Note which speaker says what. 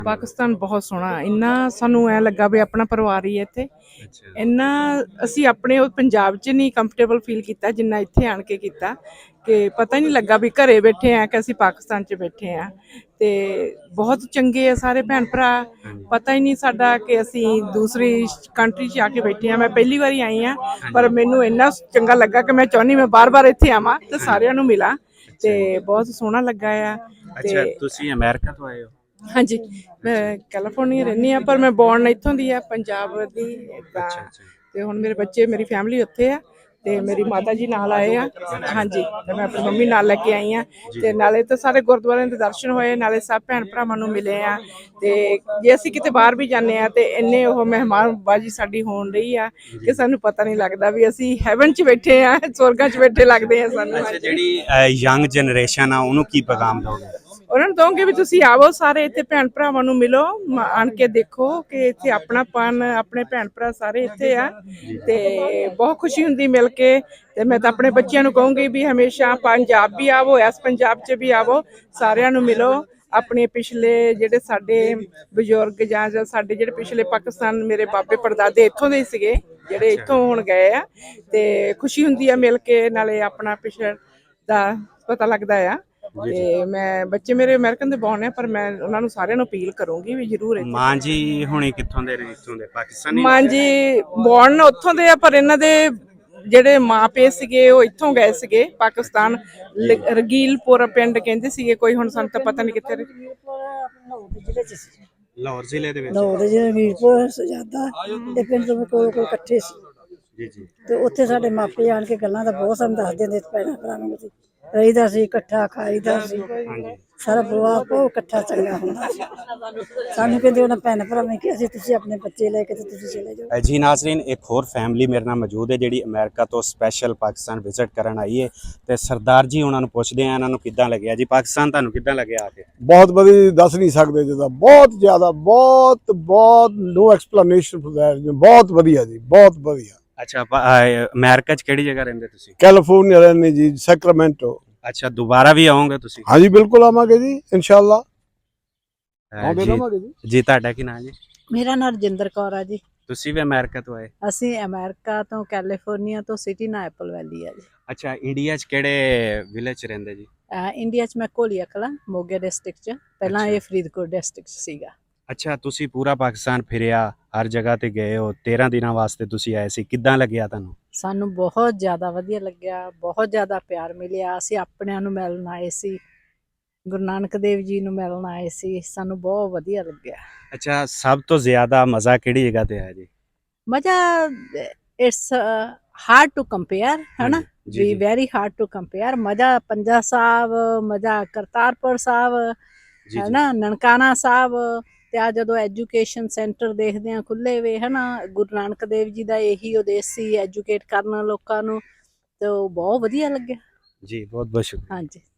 Speaker 1: ਪਾਕਿਸਤਾਨ ਬਹੁਤ ਸੋਹਣਾ, ਇੰਨਾ ਸਾਨੂੰ ਐ ਲੱਗਾ ਵੀ ਆਪਣਾ ਪਰਿਵਾਰ ਹੀ ਹੈ ਇੱਥੇ। ਇੰਨਾ ਅਸੀਂ ਆਪਣੇ ਪੰਜਾਬ 'ਚ ਨਹੀਂ ਕੰਫਰਟੇਬਲ ਫੀਲ ਕੀਤਾ ਜਿੰਨਾ ਇੱਥੇ ਆਣ ਕੇ ਕੀਤਾ, ਕਿ ਪਤਾ ਹੀ ਨਹੀਂ ਲੱਗਾ ਵੀ ਘਰੇ ਬੈਠੇ ਆ ਕਿ ਅਸੀਂ ਪਾਕਿਸਤਾਨ 'ਚ ਬੈਠੇ ਆ। ਤੇ ਬਹੁਤ ਚੰਗੇ ਆ ਸਾਰੇ ਭੈਣ ਭਰਾ, ਪਤਾ ਹੀ ਨਹੀਂ ਸਾਡਾ ਕਿ ਅਸੀਂ ਦੂਸਰੀ ਕੰਟਰੀ 'ਚ ਆ ਕੇ ਬੈਠੇ ਆ। ਮੈਂ ਪਹਿਲੀ ਵਾਰੀ ਆਈ ਆ, ਪਰ ਮੈਨੂੰ ਇੰਨਾ ਚੰਗਾ ਲੱਗਾ ਕਿ ਮੈਂ ਚਾਹੁੰਦੀ ਮੈਂ ਬਾਰ-ਬਾਰ ਇੱਥੇ ਆਵਾਂ ਤੇ ਸਾਰਿਆਂ ਨੂੰ ਮਿਲਾਂ, ਤੇ ਬਹੁਤ ਸੋਹਣਾ ਲੱਗਾ ਆ।
Speaker 2: ਅੱਛਾ, ਤੁਸੀਂ ਅਮਰੀਕਾ ਤੋਂ ਆਏ ਹੋ?
Speaker 1: ਹਾਂਜੀ, ਮੈਂ ਕੈਲੀਫੋਰਨੀਆ ਰਹਿੰਦੀ ਹਾਂ, ਪਰ ਮੈਂ ਬੋਰਨ ਇੱਥੋਂ ਦੀ ਆ, ਪੰਜਾਬ ਦੀ। ਤੇ ਹੁਣ ਮੇਰੇ ਬੱਚੇ, ਮੇਰੀ ਫੈਮਿਲੀ ਉੱਥੇ ਆ, ਤੇ ਮੇਰੀ ਮਾਤਾ ਜੀ ਨਾਲ ਆਏ ਆ। ਹਾਂਜੀ, ਤੇ ਮੈਂ ਆਪਣੀ ਮੰਮੀ ਨਾਲ ਲੈ ਕੇ ਆਈ ਆ, ਤੇ ਨਾਲੇ ਤਾਂ ਸਾਰੇ ਗੁਰਦੁਆਰਿਆਂ ਦੇ ਦਰਸ਼ਨ ਹੋਏ, ਨਾਲੇ ਸਭ ਭੈਣ ਭਰਾਵਾਂ ਨੂੰ ਮਿਲੇ ਆ। ਤੇ ਜੇ ਅਸੀਂ ਕਿਤੇ ਬਾਹਰ ਵੀ ਜਾਂਦੇ ਆ ਤੇ ਇੰਨੇ ਉਹ ਮਹਿਮਾਨਬਾਜ਼ੀ ਸਾਡੀ ਹੋਣ ਰਹੀ ਆ ਕਿ ਸਾਨੂੰ ਪਤਾ ਨਹੀਂ ਲੱਗਦਾ ਵੀ ਅਸੀਂ ਹੈਵਨ 'ਚ ਬੈਠੇ ਆ, ਸਵਰਗਾਂ 'ਚ ਬੈਠੇ ਲੱਗਦੇ ਆ ਸਾਨੂੰ।
Speaker 2: ਅੱਛਾ, ਜਿਹੜੀ ਯੰਗ ਜਨਰੇਸ਼ਨ ਆ ਉਹਨੂੰ ਕੀ ਪੈਗਾਮ ਦੋਗੇ?
Speaker 1: ਉਹਨਾਂ ਨੂੰ ਕਹੂੰਗੀ ਵੀ ਤੁਸੀਂ ਆਵੋ, ਸਾਰੇ ਇੱਥੇ ਭੈਣ ਭਰਾਵਾਂ ਨੂੰ ਮਿਲੋ, ਆਣ ਕੇ ਦੇਖੋ ਕਿ ਇੱਥੇ ਆਪਣਾਪਨ, ਆਪਣੇ ਭੈਣ ਭਰਾ ਸਾਰੇ ਇੱਥੇ ਆ, ਤੇ ਬਹੁਤ ਖੁਸ਼ੀ ਹੁੰਦੀ ਮਿਲ ਕੇ। ਤੇ ਮੈਂ ਤਾਂ ਆਪਣੇ ਬੱਚਿਆਂ ਨੂੰ ਕਹੂੰਗੀ ਵੀ ਹਮੇਸ਼ਾ ਪੰਜਾਬ ਵੀ ਆਵੋ, ਇਸ ਪੰਜਾਬ 'ਚ ਵੀ ਆਵੋ, ਸਾਰਿਆਂ ਨੂੰ ਮਿਲੋ। ਆਪਣੇ ਪਿਛਲੇ ਜਿਹੜੇ ਸਾਡੇ ਬਜ਼ੁਰਗ ਜਾਂ ਸਾਡੇ ਜਿਹੜੇ ਪਿਛਲੇ ਪਾਕਿਸਤਾਨ, ਮੇਰੇ ਬਾਬੇ ਪੜਦਾਦੇ ਇੱਥੋਂ ਦੇ ਸੀਗੇ, ਜਿਹੜੇ ਇੱਥੋਂ ਹੁਣ ਗਏ ਆ, ਤੇ ਖੁਸ਼ੀ ਹੁੰਦੀ ਆ ਮਿਲ ਕੇ, ਨਾਲੇ ਆਪਣਾ ਪਿਛੜ ਦਾ ਪਤਾ ਲੱਗਦਾ ਆ। ਤੇ ਮੈਂ, ਬੱਚੇ ਮੇਰੇ ਅਮਰੀਕਨ ਦੇ ਬੌਰਨ ਆ, ਪਰ ਮੈਂ ਉਹਨਾਂ ਨੂੰ ਸਾਰਿਆਂ ਨੂੰ ਅਪੀਲ ਕਰੂੰਗੀ ਵੀ ਜ਼ਰੂਰ ਇੱਥੇ।
Speaker 2: ਮਾਂ ਜੀ ਹੁਣੇ ਕਿੱਥੋਂ ਦੇ ਨੇ? ਇੱਥੋਂ ਦੇ ਪਾਕਿਸਤਾਨੀ?
Speaker 1: ਮਾਂ ਜੀ ਬੌਰਨ ਉੱਥੋਂ ਦੇ ਆ, ਪਰ ਇਹਨਾਂ ਦੇ ਜਿਹੜੇ ਮਾਂ ਪਿਓ ਸੀਗੇ ਉਹ ਇੱਥੋਂ ਗਏ ਸੀਗੇ ਪਾਕਿਸਤਾਨ, ਰਗੀਲਪੁਰ ਪਿੰਡ ਕਹਿੰਦੇ ਸੀਗੇ ਕੋਈ, ਹੁਣ ਸਾਨੂੰ ਤਾਂ ਪਤਾ ਨਹੀਂ ਕਿੱਥੇ।
Speaker 2: ਲਾਹੌਰ ਜ਼ਿਲ੍ਹੇ ਦੇ ਵਿੱਚ?
Speaker 3: ਲਾਹੌਰ ਦੇ ਜਿਹੜੇ ਰਗੀਲਪੁਰ ਸਜਾਦਾ ਇਹ ਪਿੰਡ ਤੋਂ ਕੋਲ ਇਕੱਠੇ ਸੀ
Speaker 2: ਜੀ ਜੀ।
Speaker 3: ਤੇ ਉੱਥੇ ਸਾਡੇ ਮਾਪੇ ਆਣ ਕੇ ਗੱਲਾਂ ਦਾ ਬਹੁਤ ਸਾਨੂੰ ਦੱਸਦੇ ਹੁੰਦੇ, ਭੈਣਾਂ ਭਰਾਵਾਂ ਨੂੰ ਰਹੀਦਾ ਸੀ, ਇਕੱਠਾ ਖਾਈਦਾ ਸੀ, ਸਾਰਾ ਪਰਿਵਾਰ ਬਹੁਤ ਇਕੱਠਾ ਚੰਗਾ ਹੁੰਦਾ ਸੀ। ਸਾਨੂੰ ਕਹਿੰਦੇ ਉਹਨਾਂ ਭੈਣ ਭਰਾਵਾਂ ਨੇ ਕਿਹਾ ਸੀ ਤੁਸੀਂ ਆਪਣੇ ਬੱਚੇ ਲੈ ਕੇ ਤੇ ਤੁਸੀਂ ਚਲੇ ਜਾਓ।
Speaker 2: ਜੀ ਨਾਜ਼ਰੀਨ, ਇੱਕ ਹੋਰ ਫੈਮਿਲੀ ਮੇਰੇ ਨਾਲ ਮੌਜੂਦ ਹੈ ਜਿਹੜੀ ਅਮਰੀਕਾ ਤੋਂ ਸਪੈਸ਼ਲ ਪਾਕਿਸਤਾਨ ਵਿਜ਼ਿਟ ਕਰਨ ਆਈ ਹੈ, ਤੇ ਸਰਦਾਰ ਜੀ ਉਹਨਾਂ ਨੂੰ ਪੁੱਛਦੇ ਆ ਇਹਨਾਂ ਨੂੰ ਕਿੱਦਾਂ ਲੱਗਿਆ ਜੀ ਪਾਕਿਸਤਾਨ, ਤੁਹਾਨੂੰ ਕਿੱਦਾਂ ਲੱਗਿਆ ਆ ਕੇ?
Speaker 4: ਬਹੁਤ ਵਧੀਆ, ਦੱਸ ਨਹੀਂ ਸਕਦੇ ਜਿਹਦਾ, ਬਹੁਤ ਜ਼ਿਆਦਾ, ਬਹੁਤ ਬਹੁਤ ਨੋ ਐਕਸਪਲੇਨੇਸ਼ਨ ਫॉर दैट, ਬਹੁਤ ਵਧੀਆ ਜੀ, ਬਹੁਤ ਵਧੀਆ।
Speaker 2: ਅੱਛਾ, ਅਮਰੀਕਾ 'ਚ ਕਿਹੜੀ ਜਗ੍ਹਾ ਰਹਿੰਦੇ ਤੁਸੀਂ?
Speaker 4: ਕੈਲੀਫੋਰਨੀਆ ਰਹਿੰਦੇ ਜੀ, ਸੈਕਰਾਮੈਂਟੋ।
Speaker 2: ਅੱਛਾ, ਦੁਬਾਰਾ ਵੀ ਆਓਗੇ ਤੁਸੀਂ?
Speaker 4: ਹਾਂਜੀ ਬਿਲਕੁਲ ਆਵਾਂਗੇ ਜੀ, ਇਨਸ਼ਾਅੱਲਾ ਆਉਂਦੇ ਰਹਾਂਗੇ ਜੀ।
Speaker 2: ਜੀ, ਤੁਹਾਡਾ ਕੀ ਨਾਮ ਜੀ?
Speaker 3: ਮੇਰਾ ਨਾਮ ਰਜਿੰਦਰ ਕੌਰ ਆ ਜੀ।
Speaker 2: ਤੁਸੀਂ ਵੀ ਅਮਰੀਕਾ ਤੋਂ ਆਏ?
Speaker 3: ਅਸੀਂ ਅਮਰੀਕਾ ਤੋਂ, ਕੈਲੀਫੋਰਨੀਆ ਤੋਂ, ਸਿਟੀ ਨਾ ਐਪਲ ਵੈਲੀ ਆ ਜੀ।
Speaker 2: ਅੱਛਾ, ਇੰਡੀਆ 'ਚ ਕਿਹੜੇ ਵਿਲੇਜ 'ਚ ਰਹਿੰਦੇ ਜੀ?
Speaker 3: ਇੰਡੀਆ 'ਚ ਮੈਂ ਘੋਲੀਆ ਕਲਾਂ, ਮੋਗੇ ਡਿਸਟ੍ਰਿਕਟ 'ਚ, ਪਹਿਲਾਂ ਇਹ ਫਰੀਦਕੋਟ ਡਿਸਟ੍ਰਿਕਟ 'ਚ ਸੀਗਾ।
Speaker 2: ਅੱਛਾ, ਤੁਸੀਂ ਪੂਰਾ ਪਾਕਿਸਤਾਨ ਫਿਰਿਆ, ਹਰ ਜਗ੍ਹਾ ਤੇ ਗਏ ਹੋ, 13 ਦਿਨਾਂ ਵਾਸਤੇ ਤੁਸੀਂ ਆਏ ਸੀ, ਕਿੱਦਾਂ ਲੱਗਿਆ ਤੁਹਾਨੂੰ?
Speaker 3: ਸਾਨੂੰ ਬਹੁਤ ਜ਼ਿਆਦਾ ਵਧੀਆ ਲੱਗਿਆ, ਬਹੁਤ ਜ਼ਿਆਦਾ ਪਿਆਰ ਮਿਲਿਆ। ਅਸੀਂ ਆਪਣਿਆਂ ਨੂੰ ਮਿਲਣ ਆਏ ਸੀ, ਗੁਰੂ ਨਾਨਕ ਦੇਵ ਜੀ ਨੂੰ ਮਿਲਣ ਆਏ ਸੀ, ਸਾਨੂੰ ਬਹੁਤ ਵਧੀਆ ਲੱਗਿਆ।
Speaker 2: ਅੱਛਾ, ਸਭ ਤੋਂ ਜ਼ਿਆਦਾ ਮਜ਼ਾ ਕਿਹੜੀ ਜਗ੍ਹਾ ਤੇ ਆਇਆ ਜੀ?
Speaker 3: ਮਜ਼ਾ, ਇਟਸ ਹਾਰਡ ਟੂ ਕੰਪੇਅਰ, ਹੈ ਨਾ ਵੀ, ਵੈਰੀ ਹਾਰਡ ਟੂ ਕੰਪੇਅਰ। ਮਜ਼ਾ ਪੰਜਾ ਸਾਹਿਬ, ਮਜ਼ਾ ਕਰਤਾਰਪੁਰ ਸਾਹਿਬ, ਹੈ ਨਾ, ਨਨਕਾਣਾ ਸਾਹਿਬ, ਤੇ ਆ ਜਦੋਂ ਐਜੂਕੇਸ਼ਨ ਸੈਂਟਰ ਦੇਖਦੇ ਆ ਖੁੱਲੇ ਵੇ, ਹੈ ਨਾ, ਗੁਰੂ ਨਾਨਕ ਦੇਵ ਜੀ ਦਾ ਇਹੀ ਉਦੇਸ਼ ਸੀ, ਐਜੂਕੇਟ ਕਰਨਾ ਲੋਕਾਂ ਨੂੰ, ਤੇ ਉਹ ਬਹੁਤ ਵਧੀਆ ਲੱਗਿਆ
Speaker 2: ਜੀ। ਬਹੁਤ ਬਹੁਤ ਸ਼ੁਕਰੀਆ।
Speaker 3: ਹਾਂਜੀ।